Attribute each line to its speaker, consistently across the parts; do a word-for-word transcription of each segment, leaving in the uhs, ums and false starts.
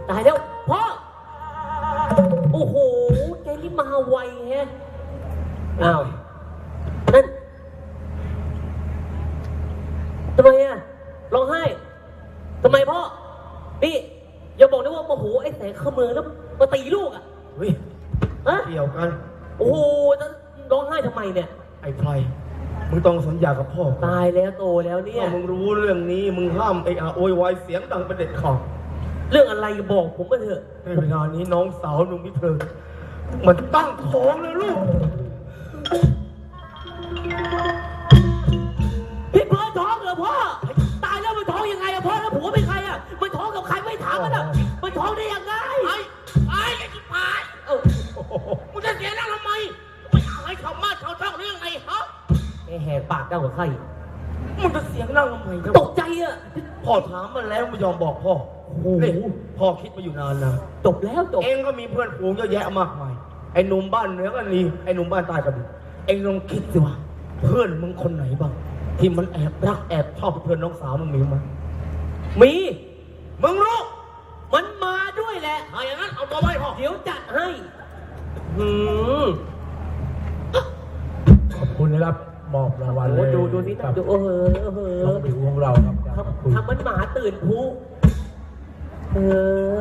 Speaker 1: ตายแล้วพ่อโอ้โหแกนี่มาไวแฮะอ้าวนั่นทำไมอ่ะร้องไห้ทำไมพ่อนี่อย่าบอกนะว่าโมโหไอ้แสงขมือแล้วมาตีลูกอ่ะ
Speaker 2: เฮ้ยเกี่ยวกัน
Speaker 1: โอ้โหร้องไห้ทำไมเนี่ย
Speaker 2: ไอ้ไพรมึงต้องสัญญากับพ่อ
Speaker 1: ตายแล้วโตแล้วเนี่ย
Speaker 2: ถ้ามึงรู้เรื่องนี้มึงห้ามไอ้อาโวยวายเสียงดังเป็นเด็ดขาด
Speaker 1: เรื่องอะไรบอกผมมาเถอะ
Speaker 2: ในเวลานี้น้องสาวนุ่มพิเธอมันตั้งท้องเลยลูก
Speaker 1: พี่เพิร์ท้องเหรอพ่อตายแล้วมันท้องยังไงอะพ่อแล้วผัวเป็นใครอะมันท้องกับใครไม่ถามมันอะมันท้องได้ยังไง
Speaker 3: ไอ้ไอ้ไอ้ที่ผายเออมึงจะเสียหน้าทำไมไม่อยากให้ชาวบ้านชาวช่องเรื่องไงฮะ
Speaker 1: ไอ้แหกปากเจ้ากับใคร
Speaker 2: มึงจะเสียงนั่งทำไม
Speaker 1: ตกใจอะ
Speaker 2: พ่อถามมันแล้วไม่ยอมบอกพ่อนี่พ่อคิดมาอยู่นานแล้ว
Speaker 1: จบแล้วจบ
Speaker 2: เองก็มีเพื่อนฝูงเยอะแยะมากมายไอ้หนุ่มบ้านเหนือก็ดีไอ้หนุ่มบ้านใต้ก็ดีเองลองคิดสิว่าเพื่อนมึงคนไหนบ้างที่มันแอบรักแอบชอบเพื่อนน้องสาวมึงมีมั้ย
Speaker 1: มี
Speaker 2: มึงรู้
Speaker 1: มันมาด้วยแหละ
Speaker 3: ถ้าอย่างนั้นเอาตัวไว้พ่อ
Speaker 1: เดี๋ยวจัดให้หืม
Speaker 2: ขอบคุณนะครับมอบรางวัลเลย
Speaker 1: ดูดูนี่ดูเออเออ
Speaker 2: ต้องผิวของเรา
Speaker 1: ครับทำมันหมาตื่นผู้เออ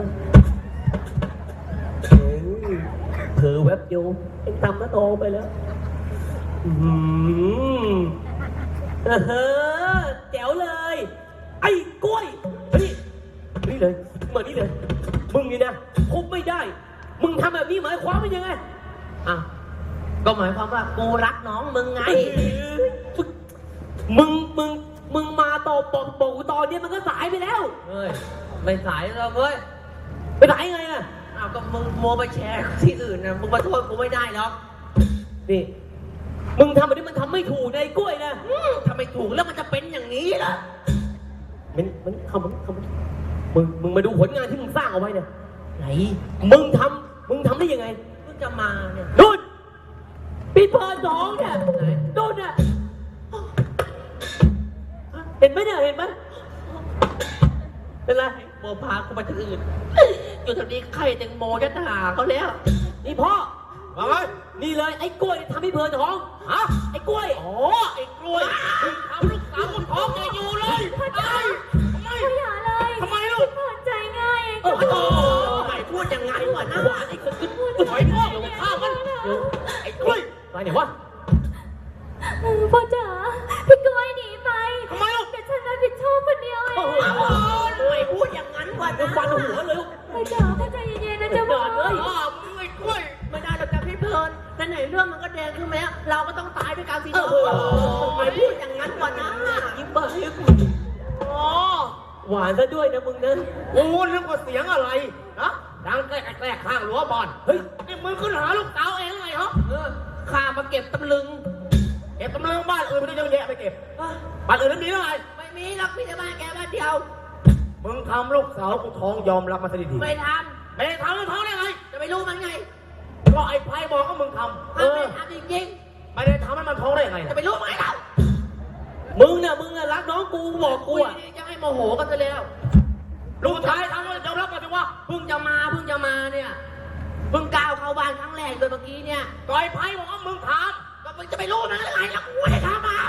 Speaker 1: เผลอแวบเดียวเอ็งตำแล้วโตไปแล้วอืมเออแจ๋วเลยไอ้กล้วยนี่นี่เลยเหมือนนี่เลยมึงนี่นะคุบไม่ได้มึงทำแบบนี้หมายความว่ายังไงอ่ะก็หมายความว่ากูรักน้องมึงไงมึงมึงมึงมาตบปกปกตอนนี้มันก็สายไปแล้ว
Speaker 3: เฮ้ยไม่สายแล้วเว้ย
Speaker 1: ไปสายไงอ่ะ
Speaker 3: อ้าวก็มึงโมไปแชร์ที่อื่นนะมึงมาโทษกูไม่ได้หรอก
Speaker 1: นี่มึงทำแบบนี้มันทำไม่ถูกในกล้วยนะ
Speaker 3: ทำไม่ถูกแล้วมันจะเป็นอย่างนี้ล่ะ
Speaker 1: มันมันทำมันทำมึงมึงมาดูผลงานที่มึงสร้างเอาไว้เนี่ย
Speaker 3: ไหน
Speaker 1: มึงทำมึงทำได้ยังไง
Speaker 3: มึงจะมาเนี่ย
Speaker 1: ดูดปีเปิดสองเนี่ยดูดเนี่ยเห็นไหมเนี่ยเห็นไหมเป็นไร
Speaker 3: โมพากูไปที่อื่นอยู่แถวนี้ใครแตงโมจะด่าเขาแล้ว
Speaker 1: นี่พ่อ
Speaker 2: มาไง
Speaker 1: นี่เลยไอ้กล้วยทำให้เพลินท้องฮะไอ้กล้วย
Speaker 3: อ๋อไอ้กล้วยทำลูกสาวท้องจะอยู่เลย
Speaker 4: พ่อจ๋าทำไมอย่าเลย
Speaker 3: ทำไมลูก
Speaker 4: เปิดใจง่าย
Speaker 3: โอ้โหไม่พูดยังไงวะนะไอ้คนขึ้นถอยพ่อลงข้ามันไอ้กล้วย
Speaker 1: ไปไหนวะ
Speaker 4: พ่อจ๋าพี่กล้วยหนีไป
Speaker 3: ทำไมลูก
Speaker 4: แต่ฉันรับผิดชอบคนเดียวเอง
Speaker 3: ไม่พูดอย่างนั้นวะนะ
Speaker 1: ฟันหัวเลยลูก
Speaker 4: พ่อจ๋าพ่อใจเย็นๆนะจ๊ะพ่อ
Speaker 3: เลยอ๋อมึงไอ้กล้วยไม่ได้หรอกจ้ะพี่เพลินนั่นไหนเรื่องมันก็แดงขึ้นไหมเราก็ต้องตายด้วยกันสิเนาะไม่พูดอย่างนั้นวะนะ
Speaker 1: ยิ้มเบย์
Speaker 3: อ๋อ
Speaker 1: หวานซะด้วยนะมึงนะ
Speaker 3: โอ้นึกว่าเสียงอะไรนะดังแกล้งแกล้งข้างรั้วบอลเฮ้ยนี่มึงขึ้นหาลูกสาวเองไงฮะเออข้ามาเก็บตำลึงเก็บตำลึงบ้านอื่นไม่ได้เยอะแยะไปเก็บบ้านอื่นนั้นมีอะไรไม่มีหรอกมีแต่บ้านแกบ้านเดียว
Speaker 2: มึงทำลูกสาวกูท้องยอมรับมาซะดี
Speaker 3: ๆไม่ทำไม่ได้ทำแล้วท้องได้ไงจะไปรู้มันไง
Speaker 2: ก็ไอ้ไพ่บอกก็มึงทำ
Speaker 3: เออไม่ทำจริง
Speaker 2: ๆไม่ได้ทำให้มันท้องได้ไง
Speaker 3: จะไปรู้ไหมเรา
Speaker 1: มึงเนี่ยมึงอะรักน้องกูบอกกูอะ
Speaker 3: จะให้โมโหกันซะแล้วลูกชายทำแล้วยอมรับมาสิว่าเพิ่งจะมาเพิ่งจะมาเนี่ยเพิ่งก้าวเข้าบ้านครั้งแรกโดยเมื่อกี้เนี่ยก็ไอ้ไพ่บอกว่ามึงทำก็มึงจะไปรู้มันได้ไงแล้วกูไม่ได้ทำเอา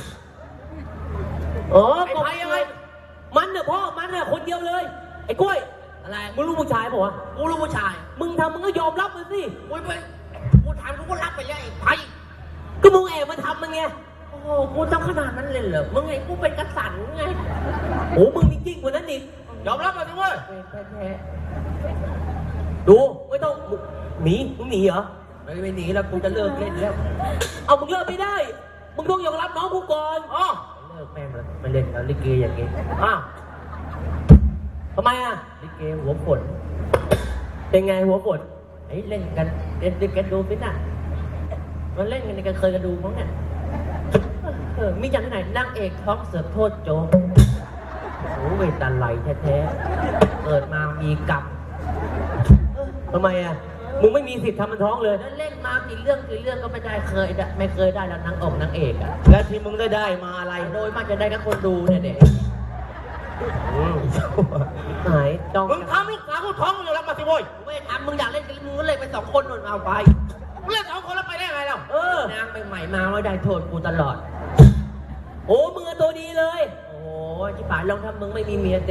Speaker 1: เออไอ้ไพ่ยังไงมันเนี่ยพ่อมันเนี่ยคนเดียวเลยไอ้กล้วย
Speaker 3: อะไร
Speaker 1: มึงรู้ผู้ชายป่ะวะ
Speaker 3: กูรู้ผู้ชาย
Speaker 1: มึงทำมึงก็ยอมรับมันสิ
Speaker 3: กูไปกูทำกูก็รับไปเลยไอ้ไพ่
Speaker 1: ก็มึงแอบมาทำมันไง
Speaker 3: โอ้โหกูต้องขนาดนั้นเลยเหรอมึงไงกูเป็นกษัตริย์ไง
Speaker 1: โอ้มึงจริงๆกว่านั้นอีก
Speaker 3: ยอมรับมาสิเว้ย
Speaker 1: ดูไม่ต้องหนีมึงหนีเหรอ
Speaker 3: ไม่ไม่หนีแล้วกูจะเลิกเล่นแล้ว
Speaker 1: เอามึงเลิกไม่ได้มึงต้องยอมรับน้องกูก่อน
Speaker 3: อ๋อเลิกแม่งแล้วไม่เล่นแล้วลิเกอย่างงี้
Speaker 1: อ้าวทำไมอ่ะ
Speaker 3: ลิเกหัวฝน
Speaker 1: เป็นไงหัวฝน
Speaker 3: ไอ้เล่นกันเล่นด้วยกันดูฟิตน่ะมันเล่นกันในกันเคยกันดูมั้งเนี่ยเออมีอย่างไหนนั่งเอกท้องเสือโทษโจโอ้ยตาไหลแท้ๆเกิดมามีกรรม
Speaker 1: ทำไมอ่ะมึงไม่มีสิทธิ์ทำมันท้องเลย
Speaker 3: เล่นมากี่เรื่องกี่เรื่องก็ไม่ได้เคยไม่เคยได้แล้วนางอกนางเอกอ่ะ
Speaker 1: แล้วที่มึงได้ได้มาอะไร
Speaker 3: โดยมากจะได้กับคนดูเนี่ยเด็ก
Speaker 1: หายจ้อง
Speaker 3: มึงทำลูกสาวกูท้องมึงยอมรับมาสิโว้ย
Speaker 2: ไม่ทำมึงอยากเล่นกับมึงก็เลยไปสองคนนู่นเอาไป
Speaker 3: มึงเล่นสองคนแล้วไปได้ไงเรา
Speaker 1: เออ
Speaker 2: นางไปใหม่มาว่าได้โทษกูตลอด
Speaker 1: โอ้มือะตัวดีเลย
Speaker 2: โอ้ยที่ผ่านลองทำมึงไม่มีเมียเด้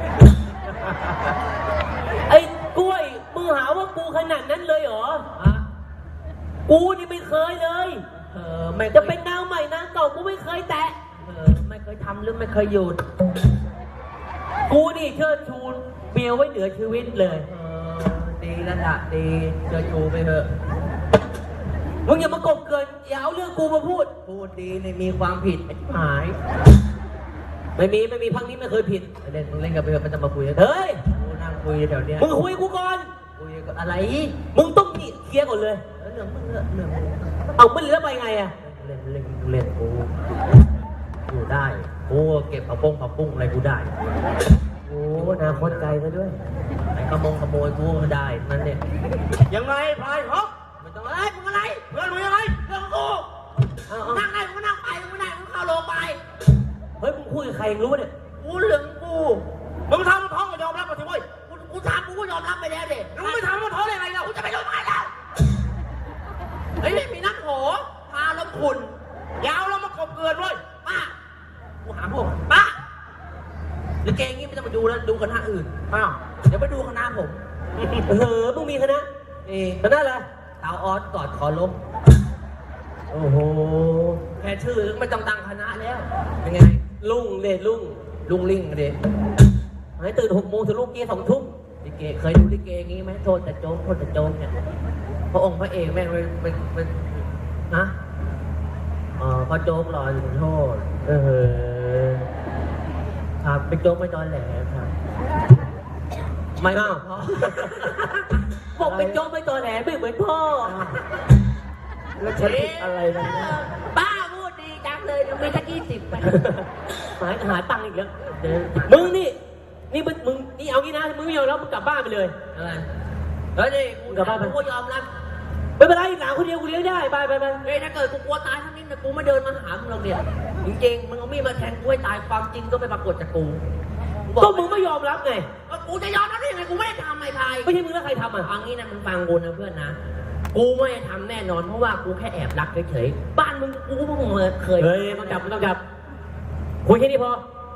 Speaker 1: ไอ้กล้วยมึงหาว่ากูขนาดนั้นเลยเหรอ
Speaker 2: ฮะ
Speaker 1: กูนี่ไม่เคยเลย
Speaker 2: เออไม่
Speaker 1: จะเป็นนางใหม่นางเก่ากูไม่เคยแตะ
Speaker 2: เออไม่เคยทำหรือไม่เคยหยุด
Speaker 1: กูนี่เชิดชูเมียไว้เหนือชีวิตเลย
Speaker 2: เออดีแล้วล่ะดีเจอชูไปเถอะ
Speaker 1: มึงอย่ามากบเกินอย่าเอาเรื่องกูมาพูด
Speaker 2: พูดดีเนี่ยมีความผิดไอ้หาย
Speaker 1: ไม่มีไม่มีพังนี้ไม่เคยผิด
Speaker 2: เล่นมึงเล่นกับเพื่อนมันจะมาคุยกัน
Speaker 1: เฮ้ย
Speaker 2: กูนั่งคุยแถวเนี้ย
Speaker 1: มึงคุยกูก่อน
Speaker 2: คุยกับอะไร
Speaker 1: มึงต้องนี่เคลียร์ก่อนเลย
Speaker 2: เออเรื่องมึงเรื่องเรื่องมึง
Speaker 1: เอามันเหลือไปไงอะ
Speaker 2: เล่นเล่นเล่นกูกูได้กูเก็บผักปุ้งผักปุ้งอะไรกูได้
Speaker 1: โอ้อนาคตไกลซะด้วย
Speaker 2: ไอ้ขโมงขโมยกูก็ได้นั่นเนี่ย
Speaker 3: ยังไงพลายฮะ
Speaker 2: ไม่ต้องอะไรมึงอะไร
Speaker 3: เพื่อนมึงยังไง
Speaker 2: เรื่องของกู
Speaker 1: เอาเอา
Speaker 2: นั่งได้มึงก็นั่งไปมึงไม่ได้มึงเข้าโรงไป
Speaker 1: เฮ้ยมึงคุยกับใครมึงรู้ปะเนี่ย
Speaker 2: กูเรื่องกู
Speaker 3: มึงทำมันท้องก็ยอมรับมาสิโว้ย
Speaker 2: กูกูทำกูก็ยอมรับไปแล้วเด็ก
Speaker 3: มึงไม่ทำมันท้องได้ไงเรา
Speaker 2: กูจะไปโรงพยาบาลแล้วเฮ้ยไม่มีนักโหพาลมขุน
Speaker 3: ยาวแล้วมากบเกินเว้ย
Speaker 2: ป้ากูหาพวกป้าหรือเกงงี้ไม่ต้องมาดูแล้วดูคณะอื่น
Speaker 3: อ้าว
Speaker 2: เดี๋ยวไปดูคณะผม
Speaker 1: เออมึงมีคณะ
Speaker 2: นี่
Speaker 1: คณะอะไร
Speaker 2: สาวออสกอดคอล้ม
Speaker 1: โอ้โห
Speaker 2: แค่ชื่อไม่ต้องตั้งคณะแล้วเป็นไง
Speaker 1: ลุงเดชลุง
Speaker 2: ลุงลิงเด็
Speaker 1: หายตื่นหกโมงถึงลูกเกียร์สองทุ่ม
Speaker 2: ลิเกเคยดูลิเกงี้ไหมโทษแต่โจ๊กโทษแต่โจ๊กเนี่ยพระองค์พระเอกแม่งเป็นเป็นเป็นนะอ๋อพระโจ๊กรออยู่โทษ
Speaker 1: เออ
Speaker 2: ครับเป็นโจ๊กไม่ตอนแหลครับไม่
Speaker 1: อ้าว
Speaker 2: พ่อ
Speaker 1: บอกเป็นโจ๊กไม่ตอแหลไม่เหมือนพ่อ
Speaker 2: แล้วฉันผิดอะไรนะป้าพูดดีจังเลยเดี๋ยวมีสักยี่สิบไป
Speaker 1: หายหายตังค์อีกแล้ว
Speaker 2: เดี๋ยว
Speaker 1: มึงนี่ นี่มึงมึงนี่เอางี้นะ มึงไม่ยอมรับมึงกลับบ้านไปเลย
Speaker 2: อะไรเฮ้ยนี่กู
Speaker 1: กลับบ้านไป
Speaker 2: กูก็ยอมรับ
Speaker 1: ไม่เป็นไรหลานคนเดียวกูเลี้ยงได้ ไปไปไป
Speaker 2: เฮ้ยถ้าเกิดกูกลัวตายทั้งนี้นะกูไม่เดินมาหามึงหรอกเนี่ยจริงๆมึงเอามีดมาแทงกูให้ตายความจริงก็ไม่ปรากฏจากกูบอ
Speaker 1: ก็มึงไม่ยอมรับไง
Speaker 2: ก็กูจะยอมรับได้ยังไงกูไม่ได้ทำไอ้พาย
Speaker 1: ไม่ใช่มึงแล้วใครทำอ่ะ
Speaker 2: ฟังนี้นะมึงฟังกูนะเพื่อนนะกูไม่ได้ทำแน่นอนเพราะว่ากูแค่แอบรักเฉยๆบ้านมึงกูก็เพิ่งเคย
Speaker 1: เฮ้ยต้องจับต้องจับ คุยแค่นี้พอ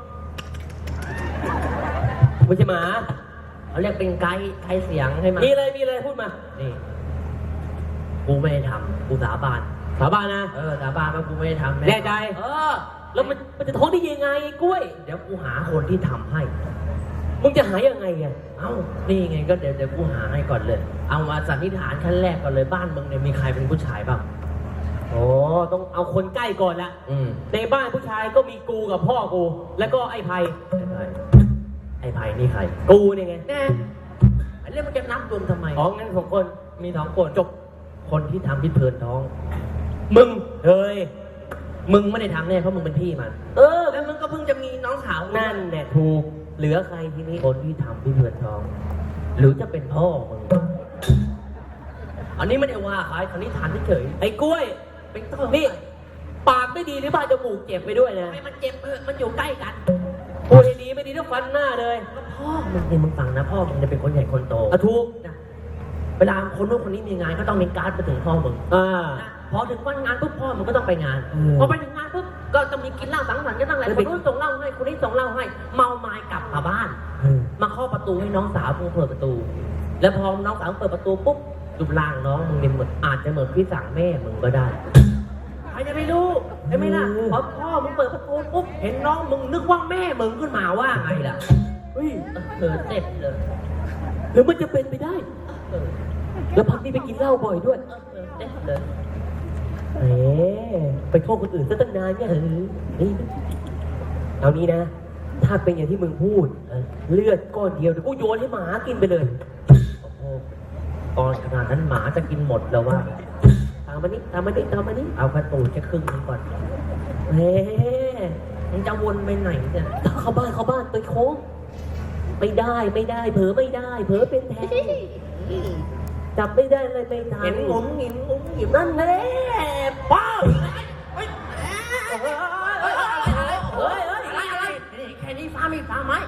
Speaker 1: ไม่ใช่หมา
Speaker 2: เขาเรียกเป็นไกด์ไกด์เสียงให้มัน
Speaker 1: มีอะไรมีอะไรพูดมา
Speaker 2: นี่กูไม่ได้ทำกูสาบาน
Speaker 1: สาบานนะ
Speaker 2: เออสาบานว่ากูไม่ได้ทำ
Speaker 1: แน่ใจ
Speaker 2: เออ
Speaker 1: แล้วมันมันจะท้องได้ยังไงกล้วย
Speaker 2: เดี๋ยวกูหาคนที่ทำให้
Speaker 1: มึงจะหายังไงอ่ะ
Speaker 2: เอ้า นี่ไงก็เดี๋ยวเดี๋ยวกูหาให้ก่อนเลย เอามาสันนิษฐานขั้นแรกก่อนเลยบ้านมึงเนี่ยมีใครเป็นผู้ชายบ้าง
Speaker 1: โอ้ต้องเอาคนใกล้ก่อนละ
Speaker 2: อืม
Speaker 1: ในบ้านผู้ชายก็มีกูกับพ่อกู แล้วก็ไอ้ไพ
Speaker 2: ไอ้ไผ่ไอ้ไผ่นี่ใคร
Speaker 1: กูเนี่ยไง
Speaker 2: แน่ไอ้เรื่องมันจะนับรวมทำไม
Speaker 1: อ๋องั้นสองคน
Speaker 2: มีสองคนจบ คนที่ทำพิษเพลินท้อง
Speaker 1: มึง เฮ้ย
Speaker 2: มึงไม่ได้ทำแน่เพราะมึงเป็นพี่มัน
Speaker 1: เออ
Speaker 2: แล้วมึงก็เพิ่งจะมีน้องสาว
Speaker 1: นั่นแหละถูก เหลือใครทีนี้
Speaker 2: คนที่ทำพิษเพลินท้อง หรือจะเป็นพ่อมึง อันนี้ไม่ได้ว่าใครคันนี้ฐานเฉย
Speaker 1: ไอ้กล้วย
Speaker 2: ๆเป็นต้น
Speaker 1: นี่ ปากไม่ดีหรือบ้านจมูกเจ็บไปด้วยนะ
Speaker 2: ให้มันเจ็บเออมันอยู่ใกล้กัน
Speaker 1: พูดดีๆไม่ดีต้องฟันหน้าเลย
Speaker 2: พ่อมึงเนี่ยมึงฟังนะพ่อมึงจะเป็นคนใหญ่คนโต
Speaker 1: อะถูก
Speaker 2: นะเวลาคนนู้นคนนี้มีงานก็ต้องมีการ์ดไปถึงพ่อมึง
Speaker 1: อ่า
Speaker 2: นะพอถึงวันงานปุ๊บพ่อมึงก็ต้องไปงาน
Speaker 1: อืม
Speaker 2: พอไปถึงงานปุ๊บก็ต้องมีกินเหล้าสังสรรค์กันตั้งหลาย
Speaker 1: แล้ว
Speaker 2: ค
Speaker 1: ไป
Speaker 2: นนู้นส่งเหล้าให้คนนี้ส่งเหล้าให้ เมาไม้กลับมาบ้าน มาเคาะประตูให้น้องสาวมึงเปิดประตู แล้วพอน้องสาวเปิดประตูปุ๊บรูปร่างน้องมึงเนี่ยเหมือนอาจจะเหมือนพี่สั่งแม่มึงก็ได้ใครจะไปรู้ใช่ไหมล่ะพอพ่อมึงเปิดประตูปุ๊บเห็นน้องมึงนึกว่าแม่มึงขึ้นมาว่าไงล่ะ
Speaker 1: เฮ้ย
Speaker 2: เออเสร็จเลย
Speaker 1: หรือมันจะเป็นไปได้
Speaker 2: เออ
Speaker 1: แล้วพักนี้ไปกินเหล้าบ่อยด้วย
Speaker 2: เออเออเสร็จเลย
Speaker 1: เอ๊ไปโทษคนอื่นซะตั้งนานเนี่ยเออนี่เอานี้นะ ถ้าเป็นอย่างที่มึงพูด
Speaker 2: เออ
Speaker 1: เลือดก้อนเดียวเดี๋ยวกูโยนให้หมากินไปเลย
Speaker 2: โอ้โหตอนขนาดนั้นหมาจะกินหมดแล้วว่า
Speaker 1: ตามมานี่ตามมานี่ตามมานี่
Speaker 2: เอากระตูนจะครึ่งหนึงก่อน
Speaker 1: เฮ้
Speaker 2: มึงจะวนไปไหนเนี่ย
Speaker 1: เข้าบ้านเข้าบ้านไปโค้งไม่ได้ไม่ได้ เผลอไม่ได้ เผลอเป็นแทงจับไม่ได้เลยไม่ทัน
Speaker 2: เห็นงุ้มหงิมงุ้มหงิม
Speaker 1: นั่นแหละป้า
Speaker 2: เฮ้ย
Speaker 1: เฮ้ยเฮ้ย
Speaker 2: อะไรอะไรอะไรนี่แค่นี้ฟ้าไม่ฟ้าไหม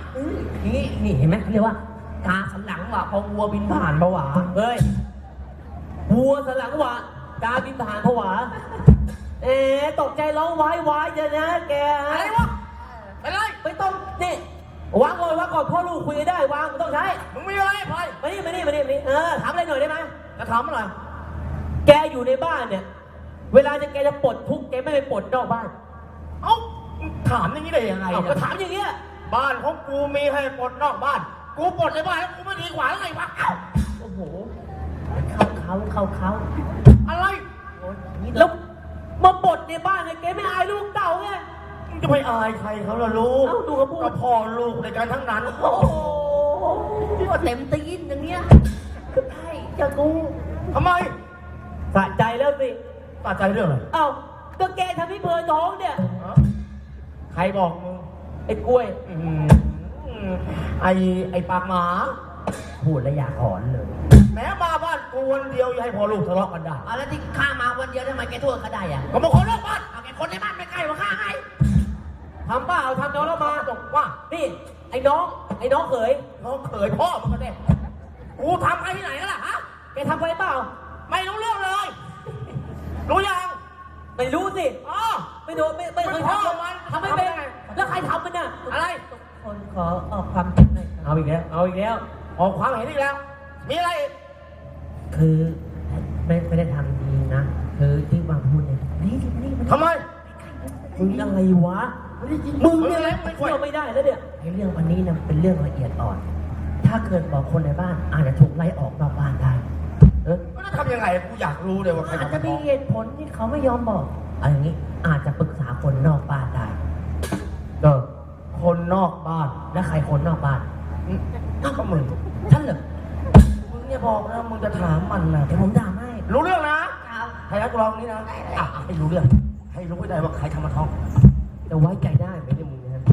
Speaker 2: นี่นี่เห็นไหมเขาเรียกว่ากาสันหลังว่ะพอวัวบินผ่านผวา
Speaker 1: เฮ้ยวัวสนหลังหวะกาบินผ่านผวาเอ๊ะตกใจร้องวายวายจะนะแก
Speaker 3: อะไรวะไปเลย
Speaker 1: ไม่ต้องนี่วางก่อนวางก่อนพ่อลูกคุยกันได้วางไม่ต้องใช้
Speaker 3: มึงมีอะไรพลอย
Speaker 1: มานี่มานี่มานี่มานี่เออถามอะไรหน่อยได้ไหม
Speaker 3: จะถามอะไร
Speaker 1: แกอยู่ในบ้านเนี่ย เวลาจะแกจะปลดทุกข์แกไม่ไปปลดนอกบ้าน
Speaker 3: เอ้าถามอย่างนี้ได้ยังไง
Speaker 1: เอา
Speaker 3: เนี่
Speaker 1: ก็
Speaker 3: ย
Speaker 1: ถามอย่างเงี้ย
Speaker 3: บ้านของกูมีให้ปลดนอกบ้าน กูปลดในบ้านแล้วกูไม่ดีกว่าหรือไงวะเอ้า
Speaker 2: โอ้โหเข้าเขาเข้าเขา
Speaker 3: อะไร
Speaker 2: โอ้ยนี่
Speaker 1: แล้วมาปลดในบ้านเนี่ยแกไม่อายลูกเต่าไง
Speaker 3: มึงจะไปอายใครเขาล่ะลูก
Speaker 1: เอ้าดูเขาพูด
Speaker 3: ก็พ่อลูกในการทั้งนั้น
Speaker 1: โอ้โห
Speaker 2: ก็เต็มตีนอย่างเนี้ยก็ใช่จะกู
Speaker 3: ทำไม
Speaker 1: สะใจแล้วสิ
Speaker 3: ตัดใจเรื่องอะไร
Speaker 1: เอ้าก็แกทำให้เพลินท้องเนี่ย
Speaker 3: ฮะใครบอกมึง
Speaker 1: ไอ้กล้วย
Speaker 3: อืมไอไอปากหมา
Speaker 2: พูดแล้วอยากหอนเลย
Speaker 3: แม้มาบ้านกูวันเดียวยังให้พ่อลูกทะเลาะกันได้
Speaker 2: เอาแล้วที่ข้ามาวันเดียวทำไมแกโทษเขาได้อะ
Speaker 3: ก็มาคนนอกบ้าน
Speaker 2: เอาแกคนในบ้านไม่ใกล้กว่าข้าไง
Speaker 1: ทำป้าเอาทำน้องแล้วมา
Speaker 3: ตกว่า
Speaker 1: นี่ ไอ้น้อง ไอ้น้องเขย
Speaker 3: น้องเขยพ่อมึงก็ได้กูทำให้ที่ไหนกันล่ะฮะ
Speaker 1: แกทำไปเปล่า
Speaker 3: ไม่รู้เรื่องเลย รู้ยัง
Speaker 1: ไม่รู้สิ
Speaker 3: อ๋อ
Speaker 1: ไม่โดนไม่ไม่เคย
Speaker 3: มันพ่อ
Speaker 1: ทำ
Speaker 3: มัน
Speaker 1: ทำไม่เป็น
Speaker 3: ทำได้ไง
Speaker 1: แล้วใครทำมันน่ะ
Speaker 3: อะไร
Speaker 2: คนขอออกความเห็นหน่อยครับ
Speaker 1: เอาอีกแล้ว เอาอีกแล้ว
Speaker 3: ออกความเห็นอีกแล้ว มีอะไรอีก
Speaker 2: คือไม่ไม่ได้ทำดีนะคือที่วางพูดเนี่ยนี่นี่มัน
Speaker 3: ทำไม
Speaker 1: มึงอะไรวะ
Speaker 3: มึ
Speaker 1: มึ
Speaker 3: ง
Speaker 1: ง
Speaker 3: เนี่
Speaker 1: เนี่ย ย
Speaker 3: ไม่
Speaker 1: ไม่
Speaker 3: ค่อย
Speaker 1: เที่ยวไม่ได้แล้วเนี่ย
Speaker 2: ไอ้เรื่องวันนี้นะเป็นเรื่องละเอียดอ่อน ถ้าเกิดบอกคนในบ้านอาจจะถูกไล่ออกนอกบ้านได้เออ
Speaker 3: ก็จะทำยังไง กูอยากรู้เลยว่าใคร
Speaker 2: อาจ
Speaker 3: ทำ
Speaker 2: จะ
Speaker 3: ให้
Speaker 2: มี
Speaker 3: ท้อง
Speaker 2: เหตุผลที่เขาไม่ยอมบอกอะไรอย่างนี้อาจจะปรึกษาคนนอกบ้านได้
Speaker 3: เออคนนอกบ้าน
Speaker 2: และใครคนนอกบ้าน
Speaker 3: อืมก็มึง
Speaker 2: ท่านเหรอ
Speaker 3: มึงเนี่ยบอกนะมึงจะถามมันนะ
Speaker 2: เดี๋ยวผมด่าให้
Speaker 3: รู้เรื่องนะ
Speaker 2: ครับ
Speaker 3: ให้นักร้องนี้นะอ่ะให้รู้เรื่อง ให้รู้ให้ได้ว่าใครทำมาท้อง
Speaker 1: จะไว้ใจได้ไหมเนี่ยมึงนะ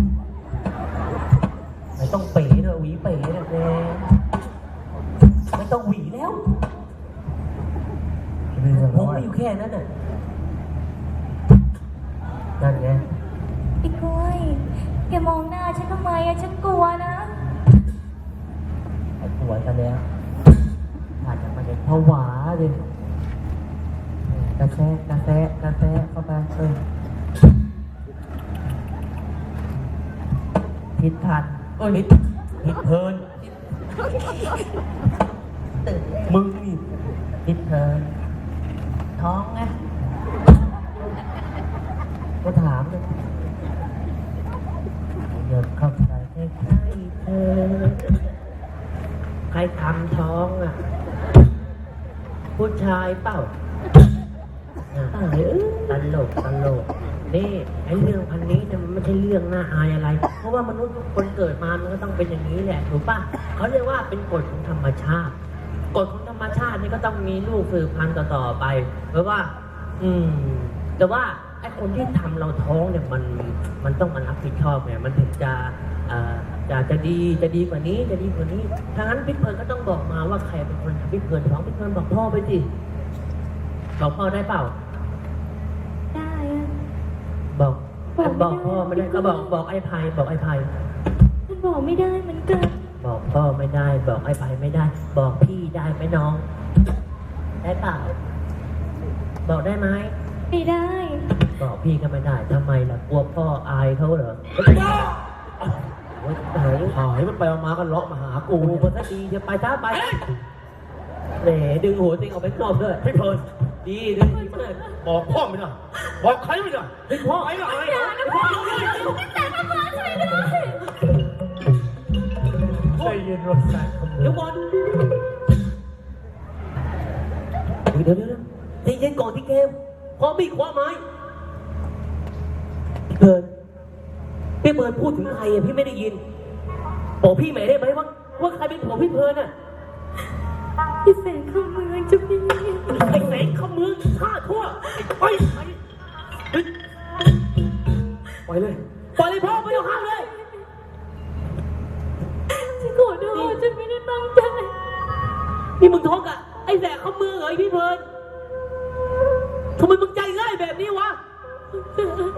Speaker 1: ไม่ต้องเป๋เลยหวีเป๋เลยแกไม่ต้องหวีแล้วผมไม่อยู่แค่นั้นน่ะนั่นไง
Speaker 4: พี่กล้วยแกมองหน้าฉันทำไมอะฉันกลัวนะ
Speaker 1: ไอ้ปวดกันแล้วอาจจะมาเด็กผวาเลยกระแทกกระแทกกระแทกเข้าไปเออผิดทันเอ้ยผิดผิดเพลิน
Speaker 2: ตื่นเลย
Speaker 1: มึงนี่ผิดเพลิน
Speaker 2: ท้องไง
Speaker 1: ก็ถามเลยเดินเข้าไปใกล้ๆเธอ
Speaker 2: ใครทำท้องอ่ะ ผู้ชายเปล่า
Speaker 1: เออ
Speaker 2: ตลกตลกนี่ไอ้เรื่องพันนี้เนี่ยมันไม่ใช่เรื่องน่าอายอะไร เพราะว่ามนุษย์ทุกคนเกิดมามันก็ต้องเป็นอย่างนี้แหละถูกป่ะเขาเรียกว่าเป็นกฎของธรรมชาติกฎของธรรมชาตินี่ก็ต้องมีลูกสืบพันธุ์ต่อๆไปเพราะว่า อืม แต่ว่าไอ้คนที่ทำเราท้องเนี่ยมันมันต้องมารับผิดชอบไงมันถึงจะเอ่อจะจะดีจะดีกว่านี้จะดีกว่านี้ถ้างั้นพี่เพลินก็ต้องบอกมาว่าใครเป็นคนทำพี่เพลินท้องพี่เพลินบอกพ่อไปสิบอกพ่อได้เปล่า
Speaker 4: ได้อะ
Speaker 2: บอก
Speaker 4: บอกไม่ได้
Speaker 2: บอกพ่อไม่ได้ก็บอกบอกไอ้ไพบอกไอ้ไพ
Speaker 4: ฉันบอกไม่ได้เหมือนกัน
Speaker 2: บอกพ่อไม่ได้ บอกไอ้ไพไม่ได้ บอกพี่ได้ไหมน้อง ได้เปล่า บอกได้ไหม
Speaker 4: ไม่ได้
Speaker 2: บอกพี่ก็ไม่ได้ทำไมล่ะกลัวพ่ออายเขาเหรอโอ๊ยหาย
Speaker 3: หายมันไปมากันเลาะมาหากู
Speaker 2: กูคนก็ดีจะไปช้าไปแหมดึงหัวติงออกไปนอกด้วย
Speaker 3: พี่เพลิน
Speaker 2: ดีดึงดีมาก
Speaker 3: บอกพ่อไม่ได้บอกใครไม่ได้
Speaker 2: เฮ้ยพ่อ
Speaker 3: ไอ้หลาน
Speaker 4: อย่านะพ่อแต่พ่อมาช่วยด้วย
Speaker 1: ใจเย็นรถสายขโม
Speaker 2: เดี๋ย
Speaker 1: ยว
Speaker 2: ก่อน
Speaker 1: เดี๋ยวเดี๋ยวเดี๋ยวใจเย็นก่อนที่เกมพร้อมมีดคว้าไม้พี่เบิร์ดพี่เบิร์ดพูดถึงใครอะพี่ไม่ได้ยินบอกพี่หมายได้ไหมว่าว่าใครเป็นผัวพี่เพลินอะ
Speaker 4: พี่แสงเข้าเมืองจะพี่
Speaker 1: ไอ้แสงขมือฆ่าทั่วไอ้ไปไปปล่อยเลยปล่อยเลยพ่อไม่ต้องห้ามเลย
Speaker 4: ฉันขอโทษฉันไม่ได้ตั้งใจ
Speaker 1: นี่มึงท้องกับไอ้แสงขมือเหรอไอ้พี่เพลินทำไมมึงใจง่ายแบบนี้วะ